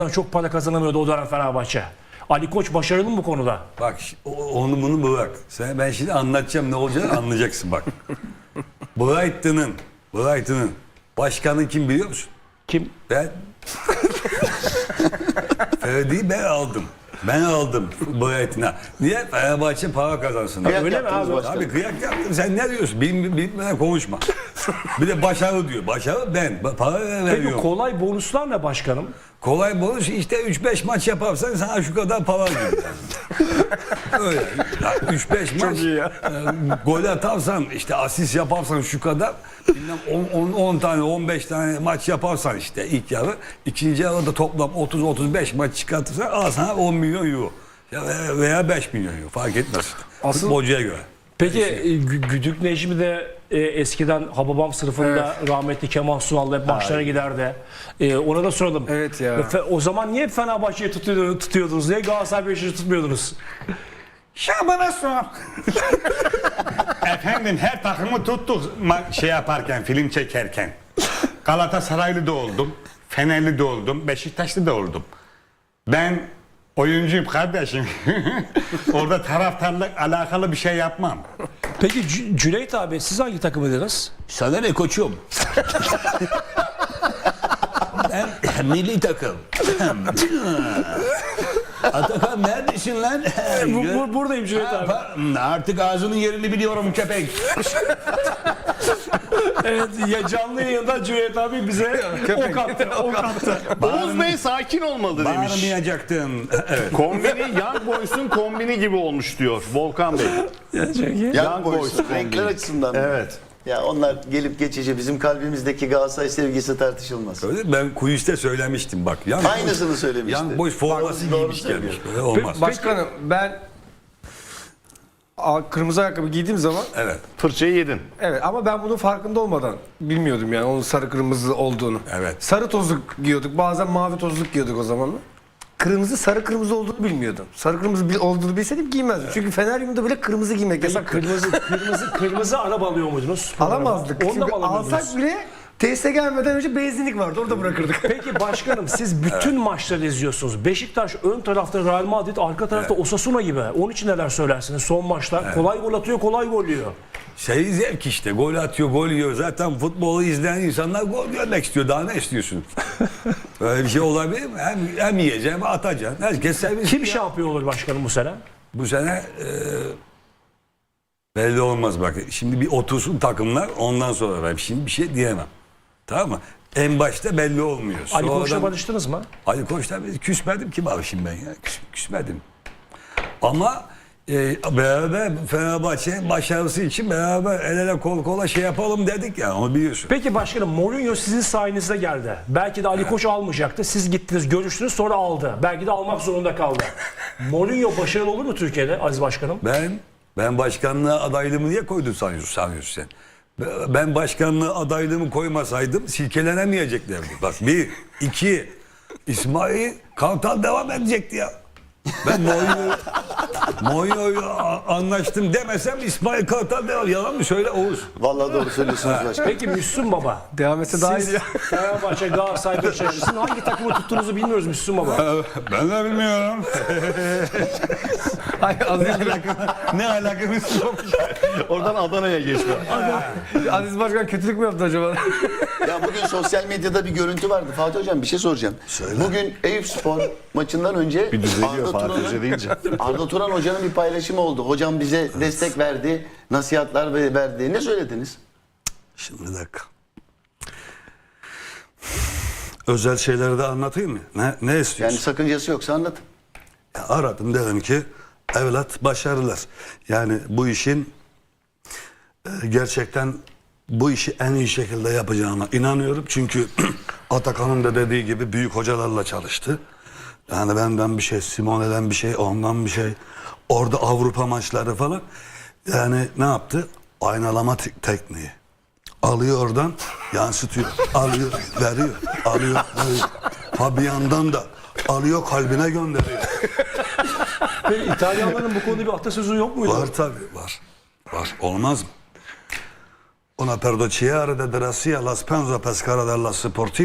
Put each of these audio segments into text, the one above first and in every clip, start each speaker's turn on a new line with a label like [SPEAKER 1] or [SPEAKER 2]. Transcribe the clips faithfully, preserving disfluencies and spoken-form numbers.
[SPEAKER 1] çok para kazanamıyordu o dönem Fenerbahçe. Ali Koç başarılı mı bu konuda?
[SPEAKER 2] Bak onu bunu bırak. Sen, ben şimdi anlatacağım ne olacağını anlayacaksın bak. Brighton'ın Brighton'ın başkanı kim biliyor musun?
[SPEAKER 1] Kim?
[SPEAKER 2] Ben. Ferdi'yi ben aldım. Ben aldım Brighton'a. Niye? Fenerbahçe para kazansın.
[SPEAKER 3] Kıyak
[SPEAKER 1] Öyle mi
[SPEAKER 3] yaptınız
[SPEAKER 1] abi?
[SPEAKER 3] başkanım.
[SPEAKER 2] Abi kıyak yaptım. Sen ne diyorsun? Bilim, bilmeden konuşma. Bir de başarı diyor. Başarı ben. Para
[SPEAKER 1] Peki
[SPEAKER 2] veriyorum.
[SPEAKER 1] kolay bonuslar ne başkanım?
[SPEAKER 2] Kolay bonus işte üç beş maç yaparsan sana şu kadar para gibi. Öyle. üç beş maç
[SPEAKER 1] iyi ya.
[SPEAKER 2] e, gol atarsan işte asist yaparsan şu kadar on tane on beş tane maç yaparsan işte ilk yarı ikinci yarıda toplam otuz otuz beş maç çıkartırsan al sana on milyon euro. Ya veya beş milyon euro fark etmez.
[SPEAKER 4] Asıl-
[SPEAKER 2] Futbolcuya göre.
[SPEAKER 1] Peki e, Gü- Güdük Necmi de e, eskiden Hababam sınıfında rahmetli Kemal Sunal'la hep maçlara giderdi. E, ona da soralım.
[SPEAKER 4] Evet ya.
[SPEAKER 1] Fe- o zaman niye Fenerbahçe'yi tutuyordunuz, tutuyordunuz? Niye Galatasaray Beşiktaş'ı tutmuyordunuz?
[SPEAKER 5] Şaban'a sor. Efendim her takımı tuttuk ma- şey yaparken, film çekerken. Galatasaraylı da oldum, Fenerli de oldum, Beşiktaşlı da oldum. Ben oyuncuyum kardeşim. Orada taraftarlık alakalı bir şey yapmam.
[SPEAKER 1] Peki C- Cüneyt abi siz hangi takımıydınız?
[SPEAKER 6] Sana ne koçum? Ben milli takım. Atakan neredesin lan?
[SPEAKER 1] Bu, bu, buradayım Cüneyt abi.
[SPEAKER 6] Artık ağzının yerini biliyorum köpek.
[SPEAKER 1] Evet ya canlı yayında Cüneyt abi bize ok attı. Ok attı.
[SPEAKER 3] Oğuz Bey sakin olmalı demiş.
[SPEAKER 2] Bağırmayacaktın. Evet.
[SPEAKER 3] Kombini Young Boys'un kombini gibi olmuş diyor Volkan Bey.
[SPEAKER 7] Young
[SPEAKER 3] Young
[SPEAKER 7] Boys,
[SPEAKER 3] Boys
[SPEAKER 7] renkler
[SPEAKER 3] kombini.
[SPEAKER 7] açısından. mı?
[SPEAKER 3] Evet.
[SPEAKER 7] Ya onlar gelip geçici, bizim kalbimizdeki Galatasaray sevgisi tartışılmaz.
[SPEAKER 2] Öyle ben kuliste söylemiştim bak. Young
[SPEAKER 7] Aynısını söylemişti.
[SPEAKER 2] Young Boys forması
[SPEAKER 7] Doğru
[SPEAKER 2] giymiş
[SPEAKER 7] söylüyor.
[SPEAKER 2] gelmiş. Böyle olmaz.
[SPEAKER 4] Başkanım ben a- kırmızı ayakkabı giydiğim zaman
[SPEAKER 2] Evet.
[SPEAKER 3] Fırçayı yedin.
[SPEAKER 4] evet ama ben bunun farkında olmadan bilmiyordum yani onun sarı kırmızı olduğunu.
[SPEAKER 2] Evet.
[SPEAKER 4] Sarı tozluk giyiyorduk. Bazen mavi tozluk giyiyorduk o zamanlar. Kırmızı sarı kırmızı olduğunu bilmiyordum. Sarı kırmızı bil- olduğunu bilseydim giymezdim. Çünkü Feneryum'da bile kırmızı giymek
[SPEAKER 1] Peki,
[SPEAKER 4] yasak.
[SPEAKER 1] kırmızı kırmızı kırmızı araba alıyor muydunuz?
[SPEAKER 4] Alamazdık.
[SPEAKER 1] Onu da
[SPEAKER 4] Çünkü
[SPEAKER 1] mı alamıyordunuz?
[SPEAKER 4] alsak bile tesise gelmeden önce benzinlik vardı. Orada bırakırdık.
[SPEAKER 1] Peki başkanım siz bütün maçları izliyorsunuz. Beşiktaş ön tarafta Real Madrid, arka tarafta Osasuna gibi. Onun için neler söylersiniz? Son maçlar kolay gol atıyor, kolay gol yiyor.
[SPEAKER 2] Şey zevk işte. Gol atıyor, gol yiyor. Zaten futbolu izleyen insanlar gol görmek istiyor. Daha ne istiyorsun? Böyle bir şey olabilir mi? Hem, hem yiyeceksin hem atacaksın. Herkes sevinsin.
[SPEAKER 1] Kim
[SPEAKER 2] ya.
[SPEAKER 1] şampiyon olur başkanım bu sene?
[SPEAKER 2] Bu sene e, belli olmaz bak. Şimdi bir otursun takımlar ondan sonra ben şimdi bir şey diyemem. Tamam mı? En başta belli olmuyor.
[SPEAKER 1] Ali Koç'la
[SPEAKER 2] Sonradan-
[SPEAKER 1] barıştınız mı?
[SPEAKER 2] Ali Koç'la biz küsmedim ki barışım ben ya. Küs, küsmedim. Ama e, beraber Fenerbahçe'nin başarısı için beraber el ele kol kola şey yapalım dedik ya, onu biliyorsun.
[SPEAKER 1] Peki başkanım Mourinho sizin sayenizde geldi. Belki de Ali Koç almayacaktı. Siz gittiniz, görüştünüz, sonra aldı. Belki de almak zorunda kaldı. Mourinho başarılı olur mu Türkiye'de Aziz Başkanım?
[SPEAKER 2] Ben ben başkanlığa adaylığımı niye koydun sanıyorsun, sanıyorsun sen? Ben başkanlığa adaylığımı koymasaydım silkelenemeyeceklerdi. Bak bir, iki, İsmail Kartal devam edecekti ya. Ben Mourinho Mourinho'yu anlaştım demesem İsmail Kartal devam. Yalan mı söyle Oğuz?
[SPEAKER 7] Vallahi doğru söylüyorsunuz başkanım.
[SPEAKER 1] Peki Müslüm Baba.
[SPEAKER 4] Devam etse daha iyi.
[SPEAKER 1] Siz Fenerbahçe, Galatasaray, Beşiktaş. Sizin hangi takımı tuttuğunuzu bilmiyoruz Müslüm Baba.
[SPEAKER 2] Ben de bilmiyorum.
[SPEAKER 4] Ay, Aziz,
[SPEAKER 2] Ne alakamız yok.
[SPEAKER 3] Oradan Adana'ya geçme.
[SPEAKER 4] Aziz Başkan kötülük mü yaptı acaba?
[SPEAKER 7] Ya bugün sosyal medyada bir görüntü vardı. Fatih Hocam bir şey soracağım. Bugün Eyüpspor maçından önce
[SPEAKER 3] Bir düzeliyor
[SPEAKER 7] Arda
[SPEAKER 3] Fatih Hoca
[SPEAKER 7] Turan'ın
[SPEAKER 3] deyince.
[SPEAKER 7] Arda Turan Hoca'nın bir paylaşımı oldu. Hocam bize destek verdi, nasihatler ve- verdi. Ne söylediniz?
[SPEAKER 2] Şimdi bir dakika. Özel şeyleri de anlatayım mı? Ne, ne
[SPEAKER 7] Yani
[SPEAKER 2] istiyorsun?
[SPEAKER 7] sakıncası yoksa anlatın.
[SPEAKER 2] Ya aradım, dedim ki evlat başarılar. Yani bu işin e, gerçekten bu işi en iyi şekilde yapacağına inanıyorum. Çünkü Atakan'ın da dediği gibi büyük hocalarla çalıştı. Yani benden bir şey, Simone'den bir şey, ondan bir şey. Orada Avrupa maçları falan. Yani ne yaptı? Aynalama te- tekniği. Alıyor oradan, yansıtıyor. Alıyor, veriyor. Alıyor, veriyor. Fabian'dan da alıyor, kalbine gönderiyor.
[SPEAKER 1] Peki İtalyanların bu konuda bir atasözü yok muydu?
[SPEAKER 2] Var tabii, var. Var. Olmaz mı? Una per dociare de gracia la spensa pescara della Sportino.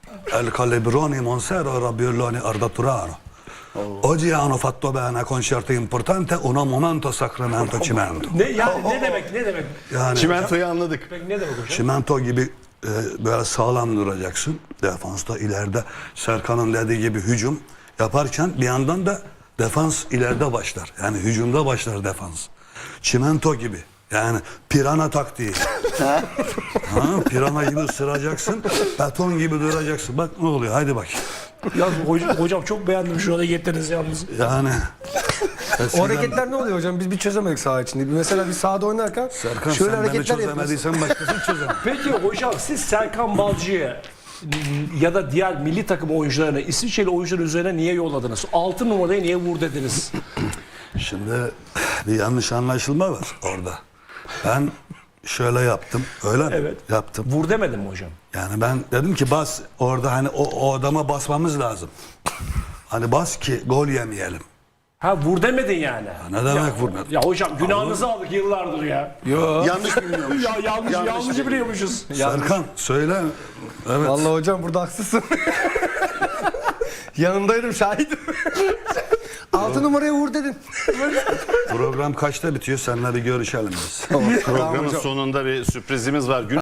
[SPEAKER 2] El calibroni monsero rabbioloni arda turano. Oggi hanno fatto bene concerto importante, una momento sacramento cimento.
[SPEAKER 1] Ne yani ne demek ne demek?
[SPEAKER 2] Yani
[SPEAKER 3] Çimentoyu anladık.
[SPEAKER 1] Peki ne demek hocam?
[SPEAKER 2] çimento gibi e, böyle sağlam duracaksın. Defansta ileride Serkan'ın dediği gibi hücum yaparken bir yandan da defans ileride başlar. Yani hücumda başlar defans. Çimento gibi. Yani pirana taktiği. ha, pirana gibi ısıracaksın. Beton gibi duracaksın. Bak ne oluyor. Haydi bak.
[SPEAKER 1] Ya hocam, hocam çok beğendim şu hareketlerinizi yalnız.
[SPEAKER 2] Yani
[SPEAKER 4] O
[SPEAKER 2] eskiden-
[SPEAKER 4] hareketler ne oluyor hocam? Biz bir çözemedik saha içinde. Mesela bir sahada oynarken
[SPEAKER 2] Serkan
[SPEAKER 4] şöyle
[SPEAKER 2] sen beni
[SPEAKER 4] hareketler yapıyoruz.
[SPEAKER 2] çözemediysen başkası çözemez.
[SPEAKER 1] Peki hocam siz Serkan Balcı'yı ya da diğer milli takım oyuncularını İsviçreli oyuncuların üzerine niye yolladınız? Altı numarayı niye vur dediniz?
[SPEAKER 2] Şimdi bir yanlış anlaşılma var orada. Ben şöyle yaptım. Öyle mi?
[SPEAKER 1] Evet.
[SPEAKER 2] Yaptım.
[SPEAKER 1] Vur demedim mi hocam?
[SPEAKER 2] Yani ben dedim ki bas orada hani o, o adama basmamız lazım. Hani bas ki gol yemeyelim.
[SPEAKER 1] Ha vur demedin yani.
[SPEAKER 2] Ne demek vurma?
[SPEAKER 1] Ya hocam günahınızı aldık yıllardır ya.
[SPEAKER 7] Yanlış bilmiyormuş.
[SPEAKER 1] Ya yanlış
[SPEAKER 7] Yanlış
[SPEAKER 1] yanlış
[SPEAKER 7] biliyor.
[SPEAKER 1] biliyormuşuz.
[SPEAKER 2] Serkan söyle. Evet.
[SPEAKER 4] Vallahi hocam burada haksızsın. Yanındaydım, şahidim. Altı numaraya vur dedin.
[SPEAKER 2] Program kaçta bitiyor? Seninle bir görüşelim biz.
[SPEAKER 3] Programın sonunda bir sürprizimiz var. Gün